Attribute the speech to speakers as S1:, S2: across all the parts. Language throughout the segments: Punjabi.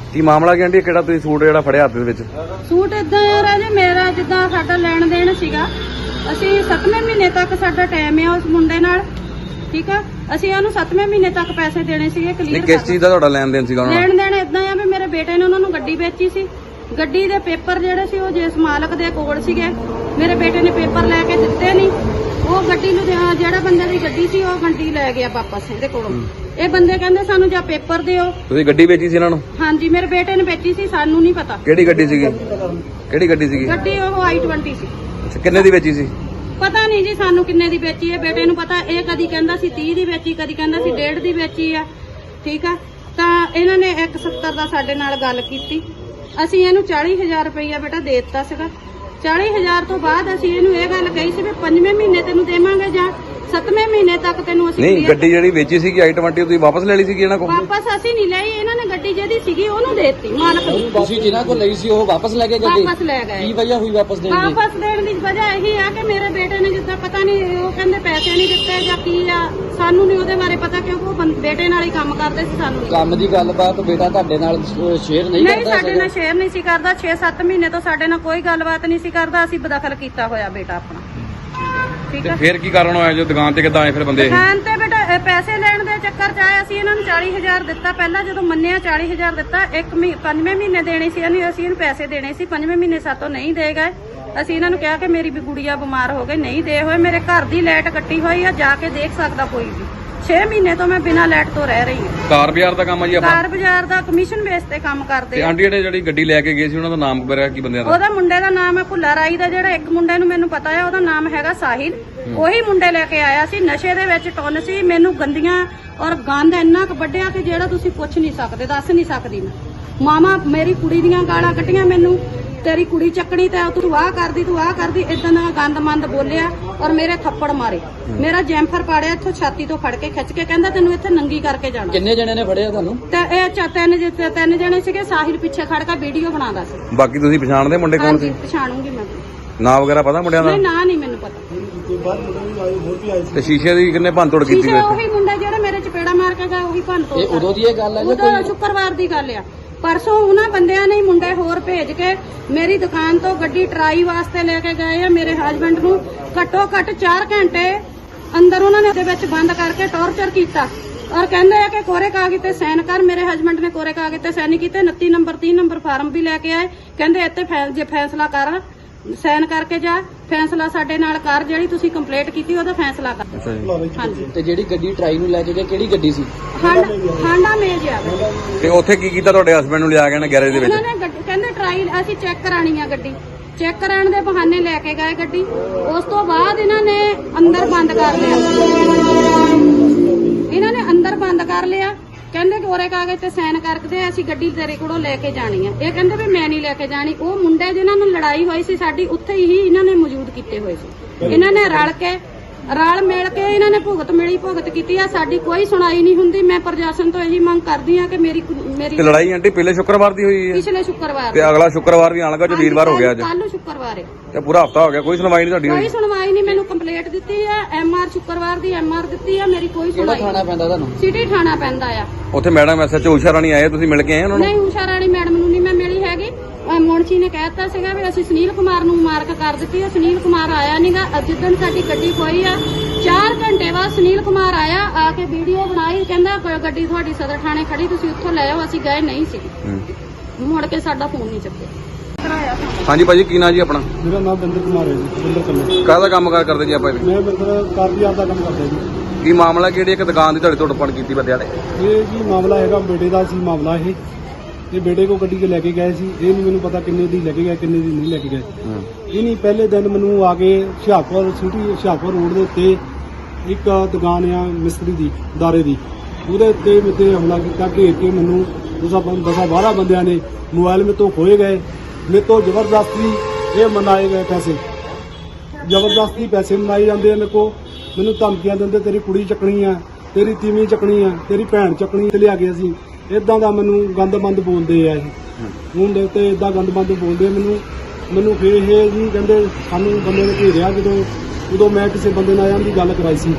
S1: ਕੀ ਮਾਮਲਾ ਕੀ ਆਂਟੀ ਕਿਹੜਾ ਤੁਸੀਂ ਸੂਟ ਜਿਹੜਾ ਫੜਿਆ ਹੱਥ ਦੇ ਵਿੱਚ?
S2: ਸੂਟ ਇਦਾਂ ਆ ਰਾਜੇ, ਮੇਰਾ ਜਿੱਦਾਂ ਸਾਡਾ ਲੈਣ ਦੇਣ ਸੀਗਾ, ਅਸੀਂ 7ਵੇਂ ਮਹੀਨੇ ਤੱਕ ਸਾਡਾ ਟਾਈਮ ਆ ਉਸ ਮੁੰਡੇ ਨਾਲ, ਠੀਕ ਆ। ਅਸੀਂ ਉਹਨੂੰ 7ਵੇਂ ਮਹੀਨੇ ਤੱਕ ਪੈਸੇ ਦੇਣੇ ਸੀਗੇ ਕਲੀਅਰ।
S1: ਕਿਸ ਚੀਜ਼ ਦਾ ਤੁਹਾਡਾ ਲੈਣ ਦੇਣ ਸੀਗਾ?
S2: ਲੈਣ ਦੇਣ ਇਦਾਂ ਆ ਵੀ ਮੇਰੇ ਬੇਟੇ ਨੇ ਉਹਨਾਂ ਨੂੰ ਗੱਡੀ ਵੇਚੀ ਸੀ, ਗੱਡੀ ਦੇ ਪੇਪਰ ਜਿਹੜੇ ਸੀ ਉਹ ਜਿਸ ਮਾਲਕ ਦੇ ਕੋਲ ਸੀਗੇ, ਮੇਰੇ ਬੇਟੇ ਨੇ ਪੇਪਰ ਲੈ ਕੇ ਦਿੱਤੇ ਨਹੀਂ। ਉਹ ਗੱਡੀ ਨੂੰ ਜਿਹੜਾ ਬੰਦੇ ਦੀ ਗੱਡੀ ਸੀ ਉਹ ਗੱਡੀ ਲੈ ਗਿਆ ਵਾਪਸ ਇਹਦੇ ਕੋਲੋਂ। ਇਹ ਬੰਦੇ ਕਹਿੰਦੇ ਸਾਨੂੰ ਜਾਂ ਪੇਪਰ ਦਿਓ।
S1: ਤੁਸੀਂ ਗੱਡੀ ਵੇਚੀ ਸੀ ਇਹਨਾਂ ਨੂੰ?
S2: ਹਾਂਜੀ, ਮੇਰੇ ਬੇਟੇ ਨੇ ਵੇਚੀ ਸੀ, ਸਾਨੂੰ ਨਹੀਂ ਪਤਾ
S1: ਕਿਹੜੀ ਗੱਡੀ ਸੀਗੀ? ਕਿਹੜੀ ਗੱਡੀ ਸੀਗੀ?
S2: ਗੱਡੀ ਉਹ i20 ਸੀ।
S1: ਅੱਛਾ, ਕਿੰਨੇ ਦੀ ਵੇਚੀ ਸੀ?
S2: ਪਤਾ ਨਹੀਂ ਜੀ ਸਾਨੂੰ ਕਿੰਨੇ ਦੀ ਵੇਚੀ ਹੈ, ਬੇਟੇ ਨੂੰ ਪਤਾ। ਇਹ ਕਦੀ ਕਹਿੰਦਾ ਸੀ 30 ਦੀ ਵੇਚੀ, ਕਦੀ ਕਹਿੰਦਾ ਸੀ 1.5 ਦੀ ਵੇਚੀ ਆ, ਠੀਕ ਆ। ਤਾਂ ਇਹਨਾਂ ਨੇ 170 ਦਾ ਸਾਡੇ ਨਾਲ ਗੱਲ ਕੀਤੀ। ਅਸੀਂ ਇਹਨੂੰ 40,000 ਰੁਪਈਆ ਬੇਟਾ ਦੇ ਦਿੱਤਾ ਸੀਗਾ। 40,000 ਤੋਂ ਬਾਅਦ ਅਸੀਂ ਇਹਨੂੰ ਇਹ ਗੱਲ ਕਹੀ ਸੀ ਵੀ 5ਵੇਂ ਮਹੀਨੇ ਤੈਨੂੰ ਦੇਵਾਂਗੇ ਜਾਂ 7ਵੇਂ ਮਹੀਨੇ ਤੱਕ ਤੈਨੂੰ ਅਸੀਂ
S1: ਨਹੀਂ, ਗੱਡੀ ਜਿਹੜੀ ਵੇਚੀ ਸੀਗੀ i20 ਤੁਸੀਂ ਵਾਪਸ ਲੈ ਲਈ ਸੀਗੀ ਇਹਨਾਂ ਕੋਲ?
S2: ਵਾਪਸ ਅਸੀਂ ਨਹੀਂ ਲਈ, ਇਹਨਾਂ ਨੇ ਗੱਡੀ ਜਿਹਦੀ ਸੀਗੀ ਉਹਨੂੰ ਦੇ ਦਿੱਤੀ ਮਾਲਕ ਨੂੰ।
S3: ਤੁਸੀਂ ਜਿਨ੍ਹਾਂ ਕੋਲ ਲਈ ਸੀ ਉਹ ਵਾਪਸ ਲੈ ਕੇ ਗਏ?
S2: ਵਾਪਸ ਲੈ ਗਏ।
S3: ਕੀ ਵਜ੍ਹਾ ਹੋਈ ਵਾਪਸ ਦੇਣ ਦੀ?
S2: ਵਾਪਸ ਦੇਣ ਦੀ ਵਜ੍ਹਾ ਇਹੀ ਆ ਕਿ ਮੇਰੇ ਬੇਟੇ ਨੇ ਜਿੱਦਾਂ ਪਤਾ ਨਹੀਂ ਉਹ ਕਹਿੰਦੇ ਪੈਸੇ ਨਹੀਂ ਦਿੱਤੇ ਜਾਂ ਕੀ ਆ, ਸਾਨੂੰ ਨਹੀਂ ਉਹਦੇ ਬਾਰੇ ਪਤਾ ਕਿਉਂਕਿ ਉਹ ਬੇਟੇ ਨਾਲ ਹੀ ਕੰਮ ਕਰਦੇ ਸੀ। ਸਾਨੂੰ
S3: ਕੰਮ ਦੀ ਗੱਲਬਾਤ ਬੇਟਾ ਤੁਹਾਡੇ ਨਾਲ ਸ਼ੇਅਰ ਨਹੀਂ ਕਰਦਾ?
S2: ਸਾਡੇ ਨਾਲ ਸ਼ੇਅਰ ਨਹੀਂ ਸੀ ਕਰਦਾ। 6-7 ਮਹੀਨੇ ਤੋਂ ਸਾਡੇ ਨਾਲ ਕੋਈ ਗੱਲਬਾਤ ਨਹੀਂ ਸੀ ਕਰਦਾ। ਅਸੀਂ ਬਦਖਲ ਕੀਤਾ ਹੋਇਆ ਬੇਟਾ ਆਪਣਾ, ਠੀਕ
S1: ਤੇ
S2: ਹੈ।
S1: ਫਿਰ ਕੀ ਕਾਰਨ ਹੋਇਆ ਜੋ ਦੁਕਾਨ ਤੇ ਕਿੱਦਾਂ ਆਏ ਫਿਰ ਬੰਦੇ?
S2: ਦੁਕਾਨ ਤੇ ਬੇਟਾ ਪੈਸੇ ਲੈਣ ਦੇ ਚੱਕਰ ਚ ਆਏ। ਅਸੀਂ ਇਹਨਾਂ ਨੂੰ 40,000 ਦਿੱਤਾ ਪਹਿਲਾਂ, ਜਦੋਂ ਮੰਨਿਆ 40,000 ਦਿੱਤਾ। 5ਵੇਂ ਮਹੀਨੇ ਦੇਣੇ ਸੀ ਅਸੀਂ ਇਹਨੂੰ ਪੈਸੇ ਦੇਣੇ ਸੀ। 5ਵੇਂ ਮਹੀਨੇ ਸਾਤੋਂ ਨਹੀਂ ਦੇ ਗਏ। ਅਸੀਂ ਇਹਨਾਂ ਨੂੰ ਕਿਹਾ ਕਿ ਮੇਰੀ ਵੀ ਗੁੜੀਆ ਬਿਮਾਰ ਹੋ ਗਈ, ਨਹੀਂ ਦੇ ਹੋਏ। ਮੇਰੇ ਘਰ ਦੀ ਲਾਈਟ ਕੱਟੀ ਹੋਈ ਆ, ਜਾ ਕੇ ਦੇਖ ਸਕਦਾ ਕੋਈ ਵੀ। 6 ਮਹੀਨੇ ਤੋਂ ਮੈਂ ਬਿਨਾਂ ਲਾਈਟ ਤੋਂ ਰਹਿ ਰਹੀ ਹਾਂ।
S1: ਕਾਰ ਬਾਜ਼ਾਰ ਦਾ ਕੰਮ ਆ ਜੀ ਆਪਣਾ?
S2: ਕਾਰ ਬਾਜ਼ਾਰ ਦਾ ਕਮਿਸ਼ਨ ਬੇਸ ਤੇ ਕੰਮ ਕਰਦੇ
S1: ਤੇ
S2: ਆ।
S1: ਆਂਟੀ ਜਿਹੜੀ ਗੱਡੀ ਲੈ ਕੇ ਗਏ ਸੀ ਉਹਨਾਂ ਦਾ ਨਾਮ ਵਗੈਰਾ ਕੀ ਬੰਦਿਆਂ ਦਾ?
S2: ਉਹਦਾ ਮੁੰਡੇ ਦਾ ਨਾਮ ਹੈ ਭੁੱਲਾ ਰਾਈ ਦਾ। ਜਿਹੜਾ ਇੱਕ ਮੁੰਡੇ ਨੂੰ ਮੈਨੂੰ ਪਤਾ ਹੈ ਉਹਦਾ ਨਾਮ ਹੈਗਾ ਸਾਹਿਲ। ਉਹੀ ਮੁੰਡੇ ਲੈ ਕੇ ਆਇਆ ਸੀ। ਨਸ਼ੇ ਦੇ ਵਿੱਚ ਟੁੰਨ ਸੀ। ਮੈਨੂੰ ਗੰਦੀਆਂ ਔਰ ਗੰਦ ਇੰਨਾ ਕੁ ਵੱਢਿਆ ਕਿ ਜਿਹੜਾ ਤੁਸੀਂ ਪੁੱਛ ਨਹੀਂ ਸਕਦੇ, ਦੱਸ ਨਹੀਂ ਸਕਦੀ ਮੈਂ। ਮਾਮਾ ਮੇਰੀ ਕੁੜੀ ਦੀਆਂ ਗਾਲਾਂ ਕੱਢੀਆਂ ਮੈਨੂੰ, ਤੇਰੀ ਕੁੜੀ ਚੱਕਣੀ ਤੇ ਤੂੰ ਆਹ ਕਰਦੀ, ਤੂੰ ਆਹ ਕਰਦੀ, ਇਦਾਂ ਦਾ ਗੰਦ-ਮੰਦ ਬੋਲਿਆ ਔਰ ਮੇਰੇ ਥੱਪੜ ਮਾਰੇ। ਮੇਰਾ ਜੈਂਫਰ ਪਾੜਿਆ ਇੱਥੋਂ ਛਾਤੀ ਤੋਂ ਫੜ ਕੇ ਖਿੱਚ ਕੇ, ਕਹਿੰਦਾ ਤੈਨੂੰ ਇੱਥੇ ਨੰਗੀ ਕਰਕੇ ਜਾਣਾ।
S3: ਕਿੰਨੇ ਜਣੇ ਨੇ ਫੜਿਆ ਤੁਹਾਨੂੰ?
S2: ਤੇ ਇਹ ਤਿੰਨ ਜਣੇ ਸੀਗੇ। ਸਾਹਿਲ ਪਿੱਛੇ ਖੜ ਕੇ ਵੀਡੀਓ ਬਣਾਉਂਦਾ ਸੀ।
S1: ਬਾਕੀ ਤੁਸੀਂ ਪਛਾਣਦੇ ਮੁੰਡੇ ਕੌਣ ਸੀ?
S2: ਪਛਾਣੂਗੀ ਮੈਂ।
S1: ਨਾਂ ਵਗੈਰਾ ਪਤਾ ਮੁੰਡਿਆਂ ਦਾ?
S2: ਨਹੀਂ, ਨਾਂ ਨਹੀਂ ਮੈਨੂੰ ਪਤਾ।
S1: ਤੇ ਸ਼ੀਸ਼ੇ ਦੀ ਕਿੰਨੇ ਭੰਨ ਤੋੜ ਕੀਤੀ?
S2: ਸ਼ੀਸ਼ੇ ਉਹੀ ਮੁੰਡਾ ਜਿਹੜਾ ਮੇਰੇ ਚਪੇੜਾ ਮਾਰ ਕੇ ਗਿਆ, ਉਹੀ ਭੰਨ ਤੋੜ।
S3: ਇਹ ਉਦੋਂ ਦੀ ਇਹ ਗੱਲ ਹੈ ਜਾਂ
S2: ਉਦੋਂ ਸ਼ੁੱਕਰਵਾਰ ਦੀ ਗੱਲ ਆ। ਪਰਸੋਂ ਉਹਨਾਂ ਬੰਦਿਆਂ ਨੇ ਮੁੰਡੇ ਹੋਰ ਭੇਜ ਕੇ ਮੇਰੀ ਦੁਕਾਨ ਤੋਂ ਗੱਡੀ ਟਰਾਈ ਵਾਸਤੇ ਲੈ ਕੇ ਗਏ ਆ। ਮੇਰੇ ਹਸਬੰਡ ਨੂੰ ਘੱਟੋ ਘੱਟ 4 ਘੰਟੇ ਅੰਦਰ ਉਹਨਾਂ ਨੇ ਉਹਦੇ ਵਿੱਚ ਬੰਦ ਕਰਕੇ ਟੌਰਚਰ ਕੀਤਾ ਔਰ ਕਹਿੰਦੇ ਆ ਕਿ ਕੋਰੇ ਕਾਗਜ਼ ਤੇ ਸਾਈਨ ਕਰ। ਮੇਰੇ ਹਸਬੰਡ ਨੇ ਕੋਰੇ ਕਾਗਜ਼ ਤੇ ਸਾਈਨ ਕੀਤੇ। 29 ਨੰਬਰ 30 ਨੰਬਰ ਫਾਰਮ ਵੀ ਲੈ ਕੇ ਆਏ। ਕਹਿੰਦੇ ਇੱਥੇ ਜੇ ਫੈਸਲਾ ਕਰ, ਸਾਈਨ ਕਰਕੇ ਜਾ, ਫੈਸਲਾ ਸਾਡੇ ਨਾਲ ਕਰ, ਜਿਹੜੀ ਤੁਸੀਂ ਕੰਪਲੇਂਟ ਕੀਤੀ ਉਹਦਾ ਫੈਸਲਾ ਕਰ।
S1: ਅੱਛਾ ਜੀ।
S2: ਹਾਂਜੀ।
S3: ਤੇ ਜਿਹੜੀ ਗੱਡੀ ਟਰਾਈ ਨੂੰ ਲੈ ਕੇ ਗਏ ਕਿਹੜੀ ਗੱਡੀ ਸੀ?
S2: ਹਾਂਡਾ ਮੇਜ ਆ।
S1: ਤੇ ਉੱਥੇ ਕੀ ਕੀਤਾ ਤੁਹਾਡੇ ਹਸਬੰਡ ਨੂੰ ਲਿਆ ਕੇ ਨਾ ਗੈਰੇਜ ਦੇ ਵਿੱਚ?
S2: ਉਹਨਾਂ ਨੇ ਕਹਿੰਦੇ ਟਰਾਈ ਅਸੀਂ ਚੈੱਕ ਕਰਾਣੀ ਆ ਗੱਡੀ। ਚੈੱਕ ਕਰਾਉਣ ਦੇ ਬਹਾਨੇ ਲੈ ਕੇ ਗਏ ਗੱਡੀ। ਉਸ ਤੋਂ ਬਾਅਦ ਇਹਨਾਂ ਨੇ ਅੰਦਰ ਬੰਦ ਕਰ ਲਿਆ। ਇਹਨਾਂ ਨੇ ਅੰਦਰ ਬੰਦ ਕਰ ਲਿਆ। ਕਹਿੰਦੇ ਕੋਰੇ ਕਾਗਜ਼ ਤੇ ਸਾਈਨ ਕਰਕੇ ਅਸੀਂ ਗੱਡੀ ਤੇਰੇ ਕੋਲੋਂ ਲੈ ਕੇ ਜਾਣੀ ਆ। ਇਹ ਕਹਿੰਦੇ ਵੀ ਮੈਂ ਨਹੀਂ ਲੈ ਕੇ ਜਾਣੀ। ਉਹ ਮੁੰਡੇ ਜਿਨ੍ਹਾਂ ਨੂੰ ਲੜਾਈ ਹੋਈ ਸੀ ਸਾਡੀ, ਉੱਥੇ ਹੀ ਇਹਨਾਂ ਨੇ ਮੌਜੂਦ ਕੀਤੇ ਹੋਏ ਸੀ। ਇਹਨਾਂ ਨੇ ਰਲ ਮਿਲ ਕੇ ਇਹਨਾਂ ਨੇ ਭੁਗਤ ਕੀਤੀ ਆ। ਸਾਡੀ ਕੋਈ ਸੁਣਾਈ ਨਹੀਂ ਹੁੰਦੀ। ਮੈਂ ਪ੍ਰਸ਼ਾਸਨ ਤੋਂ ਇਹੀ ਮੰਗ ਕਰਦੀ ਆ ਕਿ ਮੇਰੀ
S1: ਤੇ ਲੜਾਈ ਆਂਟੀ ਪਹਿਲੇ ਸ਼ੁੱਕਰਵਾਰ ਦੀ ਹੋਈ ਹੈ?
S2: ਪਿਛਲੇ ਸ਼ੁੱਕਰਵਾਰ।
S1: ਤੇ ਅਗਲਾ ਸ਼ੁੱਕਰਵਾਰ ਵੀ ਆਣ ਲੱਗਾ ਜੋ ਵੀਰਵਾਰ ਹੋ ਗਿਆ ਅੱਜ?
S2: ਕੱਲ ਸ਼ੁੱਕਰਵਾਰ ਹੈ।
S1: ਤੇ ਪੂਰਾ ਹਫਤਾ ਹੋ ਗਿਆ ਕੋਈ ਸੁਣਵਾਈ ਨਹੀਂ ਤੁਹਾਡੀ ਹੋਈ?
S2: ਕੋਈ ਸੁਣਵਾਈ ਨਹੀਂ। ਮੈਨੂੰ ਕੰਪਲੇਂਟ ਦਿੱਤੀ ਆ MR ਸ਼ੁੱਕਰਵਾਰ ਦੀ MR ਦਿੱਤੀ ਆ। ਮੇਰੀ ਕੋਈ
S3: ਕਿਹੜਾ
S2: ਸੁਣਵਾਈ
S3: ਥਾਣਾ ਪੈਂਦਾ ਤੁਹਾਨੂੰ?
S2: ਸਿਟੀ ਥਾਣਾ ਪੈਂਦਾ ਆ।
S1: ਉੱਥੇ ਮੈਡਮ SHO ਉਸ਼ਾ ਰਾਣੀ ਆਏ, ਤੁਸੀਂ ਮਿਲ ਕੇ ਆਏ ਉਹਨਾਂ ਨੂੰ?
S2: ਨਹੀਂ, ਉਸ਼ਾ ਰਾਣੀ ਮੈਡਮ ਨੂੰ ਨਹੀਂ ਮੈਂ ਮਿਲੀ ਹੈਗੀ। ਮੋਨਚੀ ਨੇ ਕਹਿਤਾ ਸੀਗਾ ਵੀ ਅਸੀਂ ਸੁਨੀਲ ਕੁਮਾਰ ਨੂੰ ਮਾਰਕ ਕਰ ਦਿੱਤੀ ਹੈ। ਸੁਨੀਲ ਕੁਮਾਰ ਆਇਆ ਨਹੀਂਗਾ। ਜਿੱਦਣ ਸਾਡੀ ਗੱਡੀ ਖੋਈ ਆ 4 ਘੰਟੇ ਬਾਅਦ ਸੁਨੀਲ ਕੁਮਾਰ ਆਇਆ, ਆ ਕੇ ਵੀਡੀਓ ਬਣਾਈ। ਕਹਿੰਦਾ ਗੱਡੀ ਤੁਹਾਡੀ ਸਦਰ ਥਾਣੇ ਖੜੀ, ਤੁਸੀਂ ਉੱਥੋਂ ਲੈ ਆਓ। ਅਸੀਂ ਗਏ ਨਹੀਂ ਸੀ। ਮੁੜ ਕੇ ਸਾਡਾ ਫੋਨ ਨਹੀਂ ਚੱਕਿਆ।
S1: ਹਾਂਜੀ ਭਾਜੀ, ਕੀ ਨਾਂ ਜੀ ਆਪਣਾ?
S4: ਮੇਰਾ ਨਾਮ ਬਿੰਦਰ ਕੁਮਾਰ ਹੈ ਜੀ। ਬਿੰਦਰ ਕੱਲੇ।
S1: ਕਾਹਦਾ ਕੰਮ ਕਰਦੇ ਜੀ ਆਪਾਂ?
S4: ਮੈਂ ਬਿੰਦਰ ਕਾਰਪੀਆਰ ਦਾ ਕੰਮ ਕਰਦਾ ਜੀ।
S1: ਕੀ ਮਾਮਲਾ ਕਿਹੜੀ ਇੱਕ ਦੁਕਾਨ ਦੀ ਤੁਹਾਡੇ ਤੋਂ ਟੁੱਟਪਣ ਕੀਤੀ ਬੰਦਿਆਂ ਨੇ?
S4: ਇਹ ਜੀ ਮਾਮਲਾ ਹੈਗਾ ਬੇਟੇ ਦਾ ਸੀ ਮਾਮਲਾ ਇਹ ਬੇਟੇ ਕੋ ਗੱਡੀ 'ਚ ਲੈ ਕੇ ਗਏ ਸੀ। ਇਹ ਨਹੀਂ ਮੈਨੂੰ ਪਤਾ ਕਿੰਨੇ ਦੀ ਲੈ ਕੇ ਗਏ, ਕਿੰਨੇ ਦੀ ਨਹੀਂ ਲੈ ਕੇ ਗਏ। ਇਹ ਨਹੀਂ ਪਹਿਲੇ ਦਿਨ ਮੈਨੂੰ ਆ ਕੇ ਹੁਸ਼ਿਆਰਪੁਰ ਰੋਡ ਦੇ ਉੱਤੇ ਇੱਕ ਦੁਕਾਨ ਆ ਮਿਸਤਰੀ ਦੀ, ਦਾਰੇ ਦੀ, ਉਹਦੇ ਉੱਤੇ ਮੇਰੇ ਹਮਲਾ ਕੀਤਾ। ਘੇਰ ਕੇ ਮੈਨੂੰ 10-12 ਬੰਦਿਆਂ ਨੇ ਮੋਬਾਈਲ ਮੇਰੇ ਤੋਂ ਖੋਏ ਗਏ। ਮੇਰੇ ਤੋਂ ਜ਼ਬਰਦਸਤੀ ਇਹ ਮਨਾਏ ਗਏ ਪੈਸੇ, ਜ਼ਬਰਦਸਤੀ ਪੈਸੇ ਮਨਾਏ ਜਾਂਦੇ ਆ ਮੇਰੇ ਕੋਲ। ਮੈਨੂੰ ਧਮਕੀਆਂ ਦਿੰਦੇ ਤੇਰੀ ਕੁੜੀ ਚੱਕਣੀ ਆ, ਤੇਰੀ ਤੀਵੀਂ ਚੱਕਣੀ ਆ, ਤੇਰੀ ਭੈਣ ਚੱਕਣੀ। ਤੇ ਲਿਆ ਕੇ ਅਸੀਂ ਇਦਾਂ ਦਾ ਮੈਨੂੰ ਗੰਦਮੰਦ ਬੋਲਦੇ ਆ। ਇਹ ਹੁਣ ਦੇ ਉੱਤੇ ਇਦਾਂ ਗੰਦਮੰਦ ਬੋਲਦੇ ਮੈਨੂੰ ਫਿਰ ਇਹ ਜੀ ਕਹਿੰਦੇ ਸਾਨੂੰ ਬੰਦੇ ਨੇ ਘੇਰਿਆ। ਜਦੋਂ ਮੈਂ ਕਿਸੇ ਬੰਦੇ ਨਾਲ ਇਹਨਾਂ ਦੀ ਗੱਲ ਕਰਾਈ ਸੀ,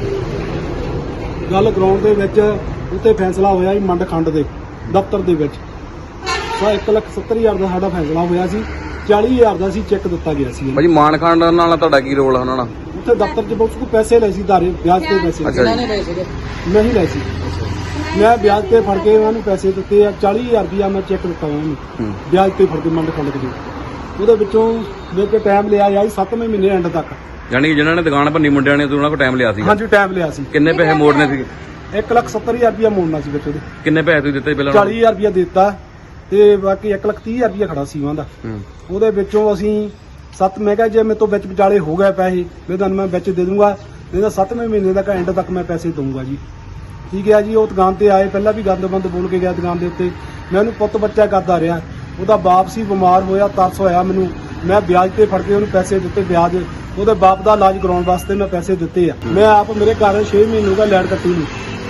S4: ਗੱਲ ਕਰਾਉਣ ਦੇ ਵਿੱਚ ਉੱਤੇ ਫੈਸਲਾ ਹੋਇਆ ਜੀ ਮੰਡ ਖੰਡ ਦੇ ਦਫ਼ਤਰ ਦੇ ਵਿੱਚ। 1,70,000 ਦਾ ਸਾਡਾ ਫੈਸਲਾ ਹੋਇਆ ਸੀ। 40,000 ਦਾ ਸੀ ਚੈੱਕ ਦਿੱਤਾ ਗਿਆ ਸੀ।
S1: ਭਾਜੀ ਮਾਨਖੰਡ ਨਾਲ ਤੁਹਾਡਾ ਕੀ ਰੋਲ ਆ ਉਹਨਾਂ ਨਾਲ?
S4: ਉੱਥੇ ਦਫ਼ਤਰ 'ਚ ਬਹੁਤ ਪੈਸੇ ਲਏ ਸੀ ਧਾਰੇ ਵਿਆਜ ਤੇ ਪੈਸੇ
S1: ਅੱਛਾ
S3: ਕਿਹਨਾਂ ਨੇ ਲਏ ਸੀਗੇ?
S4: ਮੈਂ ਹੀ ਲਏ ਸੀ। ਮੈਂ ਵਿਆਜ ਤੇ ਫੜ ਕੇ ਉਹਨਾਂ ਨੂੰ ਪੈਸੇ ਦਿੱਤੇ ਆ। 40,000 ਰੁਪਇਆ ਮੈਂ ਚੈੱਕ ਦਿੱਤਾ ਉਹਨਾਂ ਨੂੰ ਵਿਆਜ ਤੇ ਫੜ ਕੇ ਮੰਡ ਖੰਡ ਕੇ। ਉਹਦੇ ਵਿੱਚੋਂ ਮੇਰੇ ਕੋਲ ਟਾਈਮ ਲਿਆ ਆ 7ਵੇਂ ਮਹੀਨੇ ਐਂਡ ਤੱਕ।
S1: ਯਾਨੀ ਕਿ ਜਿਨ੍ਹਾਂ ਨੇ ਦੁਕਾਨ ਭੰਨੀ ਮੁੰਡਿਆਂ ਨੇ ਉਹਨਾਂ ਕੋਲ ਟਾਈਮ ਲਿਆ ਸੀ?
S4: ਹਾਂਜੀ ਟਾਈਮ ਲਿਆ ਸੀ।
S1: ਕਿੰਨੇ ਪੈਸੇ ਮੋੜਨੇ ਸੀ?
S4: 1,70,000 ਰੁਪਇਆ ਮੋੜਨਾ ਸੀ ਵਿੱਚ ਉਹਦੇ।
S1: ਕਿੰਨੇ ਪੈਸੇ ਤੁਸੀਂ ਦਿੱਤੇ ਪਹਿਲਾਂ?
S4: 40,000 ਰੁਪਇਆ ਦਿੱਤਾ ਤੇ ਬਾਕੀ 1,30,000 ਰੁਪਇਆ ਖੜਾ ਸੀ ਉਹਨਾਂ ਦਾ। ਉਹਦੇ ਵਿੱਚੋਂ ਅਸੀਂ ਮੈਂ ਕਿਹਾ ਜੇ ਮੇਰੇ ਤੋਂ ਵਿੱਚ ਵਿਚਾਲੇ ਹੋ ਗਏ ਪੈਸੇ ਮੈਂ ਤੁਹਾਨੂੰ ਮੈਂ ਵਿੱਚ ਦੇ ਦੂੰਗਾ, ਨਹੀਂ ਤਾਂ 7ਵੇਂ ਮਹੀਨੇ ਤੱਕ ਐਂਡ ਤੱਕ ਮੈਂ ਪੈਸੇ ਦਊਂਗਾ ਜੀ। ਠੀਕ ਹੈ ਜੀ। ਉਹ ਦੁਕਾਨ ਤੇ ਆਏ, ਪਹਿਲਾਂ ਵੀ ਗੰਦ ਬੰਦ ਬੋਲ ਕੇ ਗਿਆ ਦੁਕਾਨ ਦੇ ਉੱਤੇ। ਮੈਂ ਉਹਨੂੰ ਪੁੱਤ ਬੱਚਾ ਕਰਦਾ ਰਿਹਾ। ਉਹਦਾ ਬਾਪ ਸੀ ਬਿਮਾਰ ਹੋਇਆ, ਤਰਸ ਹੋਇਆ ਮੈਨੂੰ। ਮੈਂ ਵਿਆਜ ਤੇ ਫੜ ਕੇ ਉਹਨੂੰ ਪੈਸੇ ਦਿੱਤੇ। ਵਿਆਜ ਉਹਦੇ ਬਾਪ ਦਾ ਇਲਾਜ ਕਰਾਉਣ ਵਾਸਤੇ ਮੈਂ ਪੈਸੇ ਦਿੱਤੇ ਆ। ਮੈਂ ਆਪ ਮੇਰੇ ਘਰ 6 ਮਹੀਨੇ ਹੋ ਗਏ ਲੈਟ ਕੱਟੀ ਨਹੀਂ।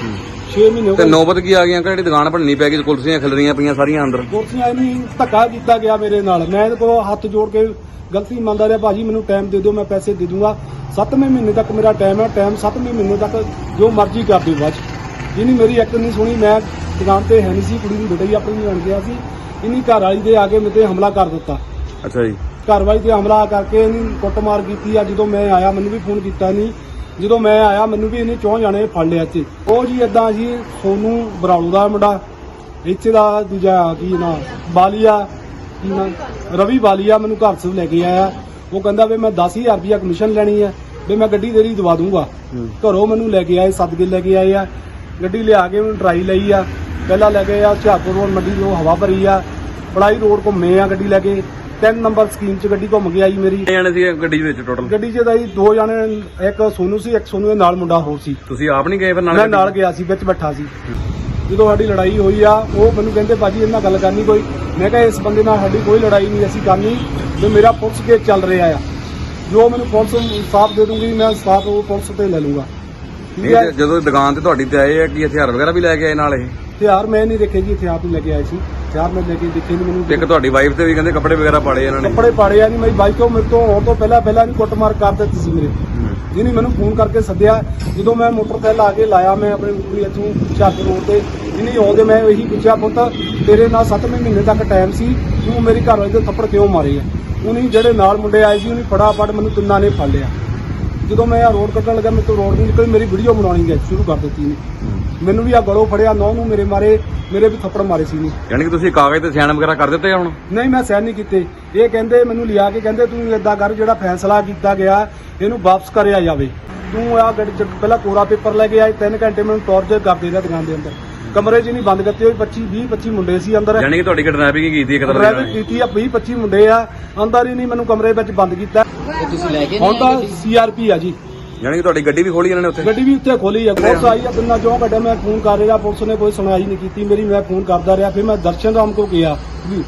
S4: 6 ਮਹੀਨੇ ਹੋ
S1: ਤੇ
S4: ਗਏ।
S1: ਨੌਬਤ ਕੀ ਆ ਗਈਆਂ ਕਿ ਜਿਹੜੀ ਦੁਕਾਨ ਭੰਨੀ ਪੈ ਗਈ, ਕੁਰਸੀਆਂ ਖਿਲ ਰਹੀਆਂ ਪਈਆਂ ਸਾਰੀਆਂ ਅੰਦਰ?
S4: ਕੁਰਸੀਆਂ ਨਹੀਂ, ਧੱਕਾ ਕੀਤਾ ਗਿਆ ਮੇਰੇ ਨਾਲ। ਮੈਂ ਇਹਦੇ ਕੋਲ ਹੱਥ ਜੋੜ ਕੇ ਗਲਤੀ ਮੰਨਦਾ ਰਿਹਾ, ਭਾਜੀ ਮੈਨੂੰ ਟਾਈਮ ਦੇ ਦਿਓ, ਮੈਂ ਪੈਸੇ ਦੇ ਦੂੰਗਾ। 7ਵੇਂ ਮਹੀਨੇ ਤੱਕ ਮੇਰਾ ਟਾਈਮ ਹੈ। ਟਾਈਮ 7ਵੇਂ ਮਹੀਨੇ ਤੱਕ ਜੋ ਮਰਜ਼ੀ ਕਰ ਦਿਓ ਬਾਅਦ 'ਚ। ਇਹਨੀ ਮੇਰੀ ਇੱਕ ਨਹੀਂ ਸੁਣੀ। ਮੈਂ ਦੁਕਾਨ ਤੇ ਹੈ ਨਹੀਂ ਸੀ, ਕੁੜੀ ਦੀ ਬੇਟੀ ਆਪਣੀ ਬਣ ਗਿਆ ਸੀ। ਇਹਨੀ ਘਰ ਵਾਲੀ ਦੇ ਆ ਕੇ ਮੇਰੇ ਤੇ ਹਮਲਾ ਕਰ ਦਿੱਤਾ।
S1: ਅੱਛਾ ਜੀ।
S4: ਘਰ ਵਾਲੀ ਤੇ ਹਮਲਾ ਕਰਕੇ ਇਹਨੀ ਕੁੱਟਮਾਰ ਕੀਤੀ ਆ। ਜਦੋਂ ਮੈਂ ਆਇਆ ਮੈਨੂੰ ਵੀ ਫੋਨ ਕੀਤਾ ਨਹੀਂ। ਜਦੋਂ ਮੈਂ ਆਇਆ ਮੈਨੂੰ ਵੀ ਇਹਨੇ 4 ਜਾਣੇ ਫੜ ਲਿਆ ਇੱਥੇ। ਉਹ ਜੀ ਏਦਾਂ ਜੀ ਸੋਨੂੰ ਬਰਾਲੂ ਦਾ ਮੁੰਡਾ, ਇੱਥੇ ਦਾ ਦੂਜਾ ਕੀ ਨਾ ਬਾਲੀਆ, ਕੀ ਨਾ ਰਵੀ ਬਾਲੀਆ, ਮੈਨੂੰ ਘਰ ਤੋਂ ਲੈ ਕੇ ਆਇਆ। ਉਹ ਕਹਿੰਦਾ ਵੀ ਮੈਂ 10,000 ਰੁਪਇਆ ਕਮਿਸ਼ਨ ਲੈਣੀ ਹੈ, ਵੀ ਮੈਂ ਗੱਡੀ ਤੇਰੀ ਦਵਾ ਦੂੰਗਾ। ਘਰੋਂ ਮੈਨੂੰ ਲੈ ਕੇ ਆਏ, ਸਦਕੇ ਲੈ ਕੇ ਆਏ ਆ। ਗੱਡੀ ਲਿਆ ਕੇ ਮੈਨੂੰ ਟਰਾਈ ਲਈ ਆ। ਪਹਿਲਾਂ ਲੈ ਗਏ ਆ ਹੁਸ਼ਿਆਰਪੁਰ ਰੋਡ ਮੰਡੀ ਤੋਂ ਹਵਾ ਭਰੀ ਆ। ਪੜਾਈ ਰੋਡ ਘੁੰਮੇ ਆ ਗੱਡੀ ਲੈ ਕੇ। 3 ਨੰਬਰ ਸਕੀਮ 'ਚ ਗੱਡੀ ਘੁੰਮ ਕੇ ਆਈ ਮੇਰੀ।
S1: ਕਿੰਨੇ ਜਾਣੇ ਸੀ ਗੱਡੀ ਦੇ ਵਿੱਚ ਟੋਟਲ?
S4: ਗੱਡੀ 'ਚ ਤਾਂ ਜੀ 2 ਜਾਣੇ, ਇੱਕ ਸੋਨੂ ਸੀ, ਇੱਕ ਸੋਨੂ ਦੇ ਨਾਲ ਮੁੰਡਾ ਹੋਰ ਸੀ।
S1: ਤੁਸੀਂ ਆਪ ਨਹੀਂ ਗਏ ਫਿਰ
S4: ਮੈਂ
S1: ਨਾਲ?
S4: ਨਾਲ ਗਿਆ ਸੀ, ਵਿੱਚ ਬੈਠਾ ਸੀ। ਜਦੋਂ ਸਾਡੀ ਲੜਾਈ ਹੋਈ ਆ, ਉਹ ਮੈਨੂੰ ਕਹਿੰਦੇ ਭਾਜੀ ਇਹਨਾਂ ਨਾਲ ਗੱਲ ਕਰਨੀ ਕੋਈ। ਮੈਂ ਕਿਹਾ ਇਸ ਬੰਦੇ ਨਾਲ ਸਾਡੀ ਕੋਈ ਲੜਾਈ ਨਹੀਂ ਅਸੀਂ ਕਰਨੀ, ਤੇ ਮੇਰਾ ਪੁਲਿਸ ਕੇਸ ਚੱਲ ਰਿਹਾ ਆ। ਜੋ ਮੈਨੂੰ ਪੁਲਿਸ ਇਨਸਾਫ ਦੇ ਦੂੰਗੀ ਮੈਂ ਇਨਸਾਫ ਉਹ ਪੁਲਿਸ ਤੇ ਲੈ ਲੂੰਗਾ। ਠੀਕ ਹੈ।
S1: ਜਦੋਂ ਦੁਕਾਨ ਤੇ ਤੁਹਾਡੀ ਤੇ ਆਏ ਆ ਕੀ ਹਥਿਆਰ ਵਗੈਰਾ ਵੀ ਲੈ ਕੇ ਆਏ ਨਾਲ? ਇਹ
S4: ਹਥਿਆਰ ਮੈਂ ਨਹੀਂ ਦੇਖੇ ਜੀ, ਹਥਿਆਰ ਨਹੀਂ ਲੈ ਕੇ ਆਏ ਸੀ। ਹਥਿਆਰ ਮੈਂ ਲੈ ਕੇ ਦੇਖੇ ਨਹੀਂ। ਮੈਨੂੰ
S1: ਇੱਕ ਤੁਹਾਡੀ ਵਾਈਫ ਤੇ ਵੀ ਕਹਿੰਦੇ ਕੱਪੜੇ ਵਗੈਰਾ ਪਾੜੇ ਇਹਨਾਂ ਨੇ?
S4: ਕੱਪੜੇ ਪਾੜੇ ਆ ਨਹੀਂ। ਮੇਰੀ ਬਾਈਕ ਤੋਂ ਮੇਰੇ ਤੋਂ ਆਉਣ ਤੋਂ ਪਹਿਲਾਂ ਨਹੀਂ ਕੁੱਟਮਾਰ ਕਰ ਦਿੱਤੀ ਸੀ ਮੇਰੇ। ਜਿਹਨੇ ਮੈਨੂੰ ਫੋਨ ਕਰਕੇ ਸੱਦਿਆ। ਜਦੋਂ ਮੈਂ ਮੋਟਰਸਾਈਕਲ ਆ ਕੇ ਲਾਇਆ, ਮੈਂ ਆਪਣੇ ਕੁੜੀ ਇੱਥੋਂ ਹੁਸ਼ਿਆਰਪੁਰ ਰੋਡ ਤੇ ਇਹਨੇ ਆਉਂਦੇ ਮੈਂ ਇਹੀ ਪੁੱਛਿਆ, ਪੁੱਤ ਤੇਰੇ ਨਾਲ 7ਵੇਂ ਮਹੀਨੇ ਤੱਕ ਟਾਈਮ ਸੀ, ਤੂੰ ਮੇਰੀ ਘਰ ਵਾਲੀ ਦੇ ਥੱਪੜ ਕਿਉਂ ਮਾਰੇ ਆ? ਉਹਨੇ ਜਿਹੜੇ ਨਾਲ ਮੁੰਡੇ ਆਏ ਸੀ ਉਹਨੇ ਫਟਾਫਟ ਮੈਨੂੰ ਤਿੰਨਾਂ ਨੇ ਫੜ ਲਿਆ। ਜਦੋਂ ਮੈਂ ਆ ਰੋਡ ਕੱਟਣ ਲੱਗਾ, ਮੇਰੇ ਤੋਂ ਰੋਡ ਨਹੀਂ ਨਿਕਲੀ। ਮੇਰੀ ਵੀਡੀਓ ਬਣਾਉਣੀ ਗਈ ਸ਼ੁਰੂ ਕਰ ਦਿੱਤੀ ਨੇ। ਮੈਨੂੰ ਵੀ ਆ ਗਲੋਂ ਫੜਿਆ, ਨੌ ਨੂੰ ਮੇਰੇ ਮਾਰੇ, ਮੇਰੇ ਵੀ ਥੱਪੜ ਮਾਰੇ ਸੀ ਨੇ।
S1: ਯਾਨੀ ਕਿ ਤੁਸੀਂ ਕਾਗਜ਼ ਤੇ ਸਾਈਨ ਵਗੈਰਾ ਕਰ ਦਿੱਤੇ ਹੁਣ?
S4: ਨਹੀਂ ਮੈਂ ਸਾਈਨ ਨਹੀਂ ਕੀਤੇ। ਇਹ ਕਹਿੰਦੇ ਮੈਨੂੰ ਲਿਆ ਕੇ ਕਹਿੰਦੇ ਤੂੰ ਏਦਾਂ ਕਰ, ਜਿਹੜਾ ਫੈਸਲਾ ਕੀਤਾ ਗਿਆ ਇਹਨੂੰ ਵਾਪਸ ਕਰਿਆ ਜਾਵੇ। ਤੂੰ ਆ ਗੱਡੀ 'ਚ ਪਹਿਲਾਂ ਕੋਰਾ ਪੇਪਰ ਲੈ ਕੇ ਆਏ। 3 ਘੰਟੇ ਮੈਨੂੰ ਟੌਰਚਰ ਕਰਦੇ ਰਿਹਾ ਦੁਕਾਨ ਦੇ ਅੰਦਰ। ਕਮਰੇ 'ਚ ਨਹੀਂ ਬੰਦ ਕਰਤੇ ਹੋਏ। 20-25 ਮੁੰਡੇ ਸੀ ਅੰਦਰ।
S1: ਯਾਨੀ ਕਿ ਤੁਹਾਡੀ ਕਿਡਨੈਪਿੰਗ ਕੀਤੀ ਇੱਕ ਤਰ੍ਹਾਂ
S4: ਡਰਾਈਵਿੰਗ ਕੀਤੀ ਆ। 20-25 ਮੁੰਡੇ ਆ ਅੰਦਰ ਹੀ ਨਹੀਂ ਮੈਨੂੰ ਕਮਰੇ ਵਿੱਚ ਬੰਦ ਕੀਤਾ।
S3: ਤੇ ਤੁਸੀਂ ਲੈ ਕੇ
S4: ਹੁਣ
S3: ਨਹੀਂ
S4: ਤਾਂ
S3: ਆਏ ਗੱਡੀ?
S4: CRP ਆ ਜੀ।
S1: ਯਾਨੀ ਕਿ ਤੁਹਾਡੀ ਗੱਡੀ ਵੀ ਖੋਲੀ ਇਹਨਾਂ ਨੇ ਉੱਥੇ?
S4: ਗੱਡੀ ਵੀ ਉੱਥੇ ਖੋਲੀ ਆ। ਪੁਲਿਸ ਆਈ ਆ ਤਿੰਨਾਂ ਚੋਂ ਕੱਢਿਆ। ਮੈਂ ਫੋਨ ਕਰ ਰਿਹਾ, ਪੁਲਿਸ ਨੇ ਕੋਈ ਸੁਣਵਾਈ ਨਹੀਂ ਕੀਤੀ ਮੇਰੀ। ਮੈਂ ਫੋਨ ਕਰਦਾ ਰਿਹਾ। ਫਿਰ ਮੈਂ ਦਰਸ਼ਨ ਰਾਮ ਕੋਲ ਗਿਆ ਜੀ।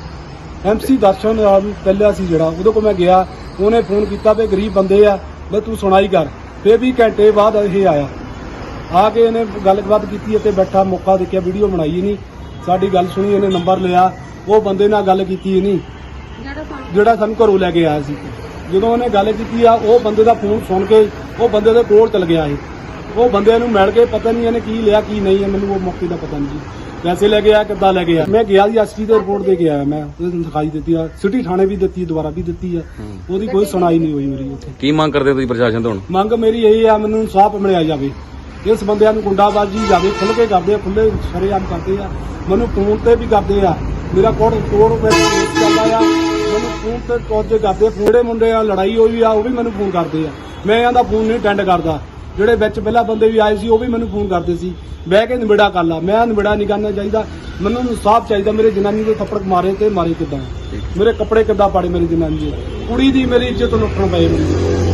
S4: MC ਦਰਸ਼ਨ ਰਾਮ ਪਹਿਲਾਂ ਸੀ ਜਿਹੜਾ, ਉਹਦੇ ਕੋਲ ਮੈਂ ਗਿਆ। ਉਹਨੇ ਫੋਨ ਕੀਤਾ ਵੀ ਗਰੀਬ ਬੰਦੇ ਆ, ਵੀ ਤੂੰ ਸੁਣਾਈ ਕਰ। ਫਿਰ ਵੀ ਘੰਟੇ ਬਾਅਦ ਇਹ ਆਇਆ। ਆ ਕੇ ਇਹਨੇ ਗੱਲਬਾਤ ਕੀਤੀ ਅਤੇ ਬੈਠਾ ਮੌਕਾ ਦੇਖਿਆ, ਵੀਡੀਓ ਬਣਾਈ ਨਹੀਂ। ਸਾਡੀ ਗੱਲ ਸੁਣੀ, ਇਹਨੇ ਨੰਬਰ ਲਿਆ। ਉਹ ਬੰਦੇ ਨਾਲ ਗੱਲ ਕੀਤੀ ਨਹੀਂ ਜਿਹੜਾ ਸਾਨੂੰ ਘਰੋਂ ਲੈ ਕੇ ਆਇਆ ਸੀ। ਜਦੋਂ ਉਹਨੇ ਗੱਲ ਕੀਤੀ ਆ, ਉਹ ਬੰਦੇ ਦਾ ਫੋਨ ਸੁਣ ਕੇ ਉਹ ਬੰਦੇ ਦੇ ਕੋਲ ਚਲ ਗਿਆ। ਉਹ ਬੰਦੇ ਨੂੰ ਮਿਲ ਕੇ ਪਤਾ ਨਹੀਂ ਇਹਨੇ ਕੀ ਲਿਆ ਕੀ ਨਹੀਂ, ਮੈਨੂੰ ਉਹ ਮੌਕੇ ਦਾ ਪਤਾ ਨਹੀਂ ਜੀ। ਪੈਸੇ ਲੈ ਕੇ ਆ ਕਿੱਦਾਂ ਲੈ ਕੇ ਆ। ਮੈਂ ਗਿਆ ਜੀ ਐਸਪੀ ਦੇ ਰਿਪੋਰਟ ਦੇ ਕੇ ਆਇਆ। ਮੈਂ ਉਹਨੂੰ ਦਿਖਾਈ ਦਿੱਤੀ ਆ, ਸਿਟੀ ਥਾਣੇ ਵੀ ਦਿੱਤੀ, ਦੁਬਾਰਾ ਵੀ ਦਿੱਤੀ ਆ। ਉਹਦੀ ਕੋਈ ਸੁਣਾਈ ਨਹੀਂ ਹੋਈ ਮੇਰੀ ਉੱਥੇ।
S1: ਕੀ ਮੰਗ ਕਰਦੇ ਹੋ ਤੁਸੀਂ ਪ੍ਰਸ਼ਾਸਨ ਤੋਂ ਹੁਣ?
S4: ਮੰਗ ਮੇਰੀ ਇਹੀ ਆ, ਮੈਨੂੰ ਇਨਸਾਫ ਮਿਲਿਆ ਜਾਵੇ। ਇਸ ਬੰਦਿਆਂ ਨੂੰ ਗੁੰਡਾਬਾਜ਼ੀ ਜਾਵੇ, ਖੁੱਲ੍ਹ ਕੇ ਕਰਦੇ ਆ, ਖੁੱਲ੍ਹੇ ਸ਼ਰੇਆਮ ਕਰਦੇ ਆ। ਮੈਨੂੰ ਫੋਨ ਤੇ ਵੀ ਕਰਦੇ ਆ। ਮੇਰਾ ਕੋਡ ਵਿੱਚ ਚੱਲਦਾ ਆ। ਮੈਨੂੰ ਫੋਨ ਤੇ ਟੌਰਚਰ ਕਰਦੇ ਆ। ਜਿਹੜੇ ਮੁੰਡੇ ਆ ਲੜਾਈ ਹੋਈ ਆ ਉਹ ਵੀ ਮੈਨੂੰ ਫੋਨ ਕਰਦੇ ਆ। ਮੈਂ ਇਹਨਾਂ ਦਾ ਫੋਨ ਨਹੀਂ ਅਟੈਂਡ ਕਰਦਾ। ਜਿਹੜੇ ਵਿੱਚ ਪਹਿਲਾਂ ਬੰਦੇ ਵੀ ਆਏ ਸੀ ਉਹ ਵੀ ਮੈਨੂੰ ਫੋਨ ਕਰਦੇ ਸੀ, ਬਹਿ ਕੇ ਨਿਬੜਾ ਕਰ ਲਾ। ਮੈਂ ਨਿਬੜਾ ਨਹੀਂ ਕਰਨਾ ਚਾਹੀਦਾ। ਮੈਨੂੰ ਇਨਸਾਫ ਚਾਹੀਦਾ। ਮੇਰੇ ਜਨਾਨੀ ਦੇ ਥੱਪੜ ਮਾਰੇ ਤੇ ਮਾਰੇ ਕਿੱਦਾਂ, ਮੇਰੇ ਕੱਪੜੇ ਕਿੱਦਾਂ ਪਾੜੇ ਮੇਰੀ ਜਨਾਨੀ ਦੇ, ਕੁੜੀ ਦੀ ਮੇਰੀ ਇੱਜ਼ਤ ਲੁੱਟਣ ਪਏ ਮੇਰੀ।